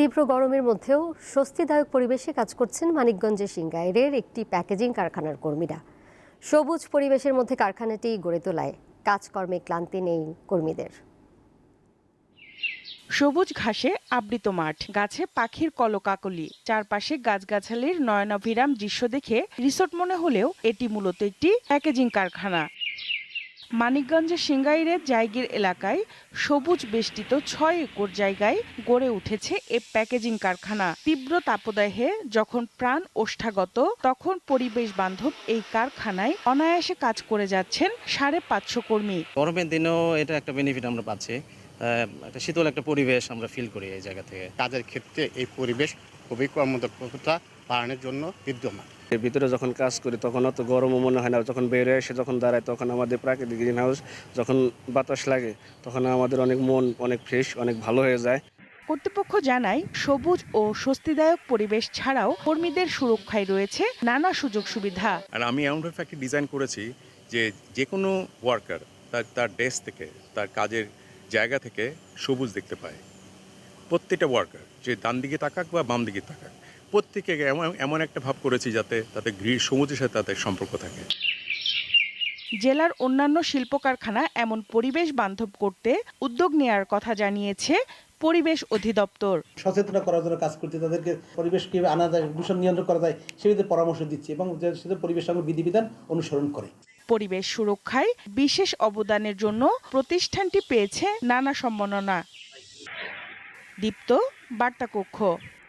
তীব্র গরমের মধ্যেও স্বস্তিদায়ক পরিবেশে কাজ করছেন মানিকগঞ্জের সিংগাইরের একটি প্যাকেজিং কারখানার কর্মীরা। সবুজ পরিবেশের মধ্যে কারখানাটি গড়ে তোলায় কাজকর্মে ক্লান্তি নেই কর্মীদের। সবুজ ঘাসে আবৃত মাঠ, গাছে পাখির কলকাকলি, চারপাশে গাছগাছালির নয়নাভিরাম দৃশ্য দেখে রিসোর্ট মনে হলেও এটি মূলত একটি প্যাকেজিং কারখানা। মানিকগঞ্জের সিংগাইরের জায়গির এলাকায় সবুজ বেষ্টিত ৬ একর জায়গায় গড়ে উঠেছে এ প্যাকেজিং কারখানা। তীব্র তাপদাহে যখন প্রাণ ওষ্ঠাগত, তখন পরিবেশ বান্ধব এই কারখানায় অনায়াসে কাজ করে যাচ্ছেন ৫৫০ কর্মী। গরমের দিনেও এটা একটা বেনিফিট আমরা পাচ্ছি, একটা শীতল একটা পরিবেশ আমরা ফিল করি এই জায়গা থেকে। কাজের ক্ষেত্রে এই পরিবেশ খুবই কর্মদক্ষতা বাড়ানোর জন্য বিদ্যমান। এর ভিতরে যখন কাজ করি তখন অত গরমও মনে হয় না, যখন বেরিয়ে এসে যখন দাঁড়ায় তখন আমাদের প্রাকৃতিক গ্রিন হাউস যখন বাতাস লাগে তখন আমাদের মন অনেক ফ্রেশ, অনেক ভালো হয়ে যায়। কর্তৃপক্ষ জানায়, সবুজ ও স্বস্তিদায়ক পরিবেশ ছাড়াও কর্মীদের সুরক্ষায় রয়েছে নানা সুযোগ সুবিধা। আর আমি এমনভাবে একটা ডিজাইন করেছি যে কোনো ওয়ার্কার তার ডেস্ক থেকে, তার কাজের জায়গা থেকে সবুজ দেখতে পায়। প্রত্যেকটা ওয়ার্কার, যে ডান দিকে তাকাক বা বাম দিকে তাকাক, প্রত্যেকে এমন একটা ভাব করেছি যাতে তাতে সবুজের সাথে তাদের সম্পর্ক থাকে। জেলার অন্যান্য শিল্প কারখানা এমন পরিবেশ বান্ধব করতে উদ্যোগ নেয়ার কথা জানিয়েছে পরিবেশ অধিদপ্তর। সচেতন করার জন্য কাজ করতে, তাদেরকে পরিবেশ কিভাবে আনা যায়, দূষণ নিয়ন্ত্রণ করা যায় সেভাবে পরামর্শ দিচ্ছে এবং পরিবেশ সঙ্গে বিধিবিধান অনুসরণ করে। পরিবেশ সুরক্ষায় বিশেষ অবদানের জন্য প্রতিষ্ঠানটি পেয়েছে নানা সম্মাননা। দীপ্ত, বার্তা কক্ষ।